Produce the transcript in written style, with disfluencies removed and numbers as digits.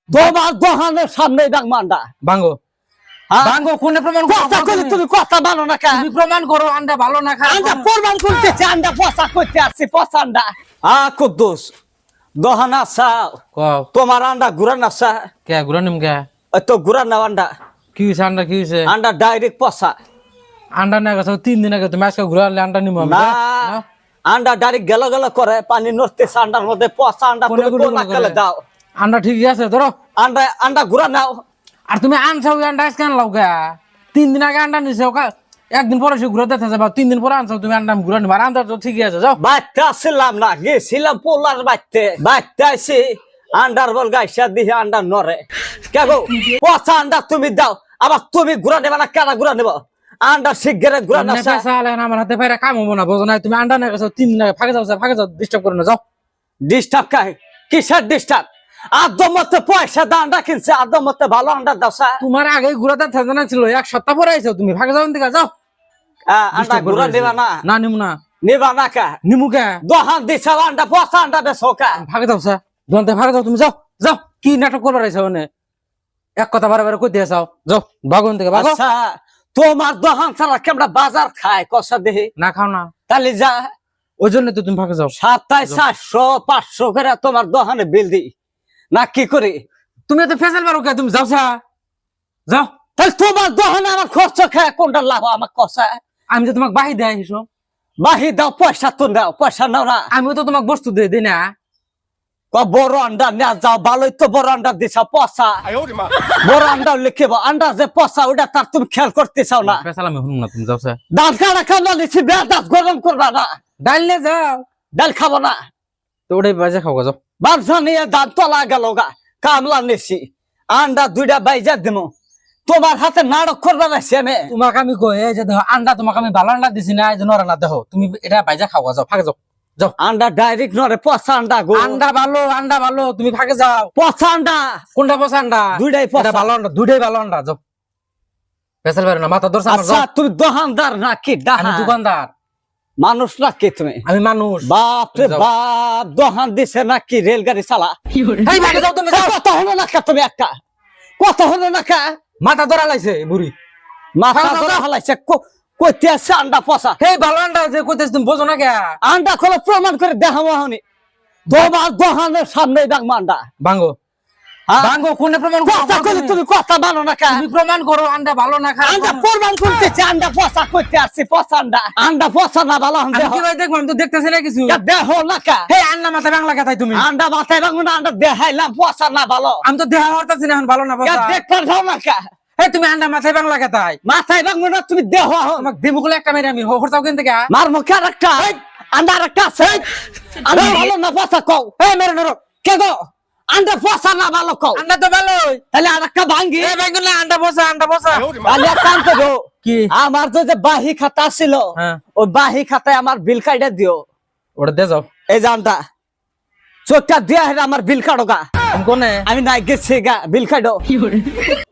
তোমার দোকানের সামনে ডাকবো আন্ডা ভাঙ্গো ভাঙ্গো কোনে প্রমাণ কথা কইলে তুমি কথা মানো না কা তুমি প্রমাণ করো আন্ডা ভালো না খারাপ আন্ডা প্রমাণ করতেছে আন্ডা পচা করতে আসছি পচা আন্ডা কুদ্দুস দোকান আসা কও তোমার আন্ডা ঘুরান আসা কে গুরানিম কে তো ঘুরান না আন্ডা কি হইছে আন্ডা কি হইছে আন্ডা ডাইরেক্ট পচা আন্ডা না গেছে 3 দিন আগে তুমি আজকে ঘুরালে আন্ডা নিমু আমি না আন্ডা ডাইরেক্ট গেল গেল করে পানি নড়তেছে আন্ডার মধ্যে পচা আন্ডা কোনে তুমি কোন আকালে দাও আন্ডা ঠিকই আছে ধরো আন্ডা আন্ডা ঘুরা নাও আর তুমি আনছাও আন্ডা আজকে আনলাও কে 3 দিন আগে আন্ডা নিছো একদিন পরে সে ঘুরে দেখতে যাবা 3 দিন পরে আনছাও তুমি আন্ডা ঘুরে নিবা আন্ডা তো ঠিকই আছে যাও বাইতে আসছিলাম না গেছিলাম পোলার বাইতে আইসি আন্ডার বল গাইসা দিয়ে আন্ডা নরে কে গো পচা আন্ডা তুমি দাও আবার তুমি ঘুরা নেবা না কেনা ঘুরা নেব আন্ডা শিগগিরে ঘুরা না পয়সা আলে না আমার হাতে পায়রা কাম হবো না বুঝো না তুমি আন্ডা না গেছো 3 দিন আগে ফাঁকে যাও ডিস্টার্ব করো না যাও ডিস্টার্ব কাই কিসের ডিস্টার্ব আদমতে পয়সা দা আন্ডা কিনছে আদমতে ভালো আন্ডা দাও তোমার আগে ঘুরাতে থাকা না ছিল এক সপ্তাহ পরে আইছো তুমি ফাঁকে যাও দিকে যাও আন্ডা ঘুরা নেবা না না নিমু না নেবা না কা নিমু কে দোহান দিছে আন্ডা পচা আন্ডা বেচো কা ফাঁকে যাও স্যার দোকানতে ফাঁকে যাও তুমি যাও যাও কি নাটক করবার আইছো মানে এক কথা বারে বারে কই দিয়ে যাও যাও ভাগন থেকে ভাগো আচ্ছা তোমার দোকান ছাড়া কেমন বাজার খায় কষা দেহি না খাও না তাহলে যা ওই জন্য তো তুমি ফাঁকে যাও 2700-500 করে তোমার দোকানে বিল দি না কি করি তুমি তো ফেসাল পারো কে তুমি যাও স্যার যাও তাহলে তোমার দোকানে আমার খরচ খায় কোনটা লাভ আমার কষা আমি তো তোমাকে বাহি দেয় হিসো বাহি দাও পয়সা তো দাও পয়সা নাও না আমিও তো তোমাকে বস্তু দিই না বড় আন্ডা নেওয়া যাও ভালোই তো বড় আন্ডা দিছা পচা বড় আন্ডা লিখিব আন্ডা যে পচা ওটা তার তুমি খেয়াল করতে চাও না ফেসাল আমি শুনুন না তুমি যাও স্যার দাঁত কাটা খাওয়া নিচ্ছি দাঁত গরম করবা না ডাল নিয়ে যাও ডাল খাবো না তো ওটাই বাজে খাও যাও বারসা নিয়ে দাঁত তলা গেল গা কামলা নিছি আন্ডা 2টা বাইজা দিমু তোমার হাতে নাটক করবা না আমি তোমাকে আমি কই এই যে দেখো আন্ডা তোমাকে আমি ভালো আন্ডা দিছি না এই যে নরা না দেখো তুমি এটা বাইজা খাও যাও ফাঁকে যাও যাও আন্ডা ডাইরেক্ট নরে পচা আন্ডা গো আন্ডা ভালো তুমি ফাঁকে যাও পচা আন্ডা কোনটা পচা আন্ডা দুইটাই পচা। এটা ভালো আন্ডা দুইটাই ভালো আন্ডা যাও ফেসাল পারো না মাথা দর্শন আচ্ছা তুমি দোকানদার নাকি আমি ডাহা দোকানদার মানুষ নাকি তুমি আমি মানুষ বাপ রে যাও। বাপ দোকান দিছে নাকি রেলগাড়ি চালা এই ফাঁকে যাও তুমি যাও কত হলো না কা তুমি একটা কত হলো না কা মাথা ধরা লাইছে বুড়ি মাথা যাও, ধরা যাও। হলাইছে কইতে আছে আন্ডা পচা এই ভালো আন্ডা যে কইতেছ তুমি বোঝো না কে আন্ডা খোলা প্রমাণ করে দেখাবো হনি তোমার দোকানের সামনে ডাকবো আন্ডা ভাঙ্গো হ্যাঁ? ভাঙ্গো কোনে প্রমাণ কথা কইলে তুমি কথা মানো না কা তুমি প্রমাণ করো আন্ডা ভালো না খারাপ আন্ডা প্রমাণ করতেছে আন্ডা পচা করতে আসছি পচা আন্ডা পচা না ভালো আমি কি ভাই দেখবো আমি তো দেখতেছি না কিছু দেখো না কা হে আন্ডা মাথা বাংলা কথাই তুমি আন্ডা মাথায় ভাঙবো না আন্ডা দেখাইলাম পচা না ভালো আমি তো দেহা হরতাছি না এখন ভালো না বসা দেখতে যাও না কা হে তুমি আন্ডা মাথায় বাংলা কথাই মাথায় ভাঙবো না তুমি দেহ তোমাকে দিমুকুলে একটা মেরে আমি হরতাও কেন থেকে মার মুখে আর একটা আন্ডা আর একটা আছে আন্ডা ভালো না পচা কও হে মেরে নরো কে গো আন্ডা পচা না ভালো কও আন্ডা তো ভালোই তাহলে আর একটা ভাঙ্গি এ ভাই না আন্ডা বসা তাহলে এক কাম করো কি আমার যে বাহি খাতা ছিল হ্যাঁ ওই বাহি খাতায় আমার বিল কাইডা দিও ওটা দে যাও এই জানটা চোখটা দিয়া আমার বিল কাটো গা আমি কোনে আমি নাই গেছি গা বিল কাটো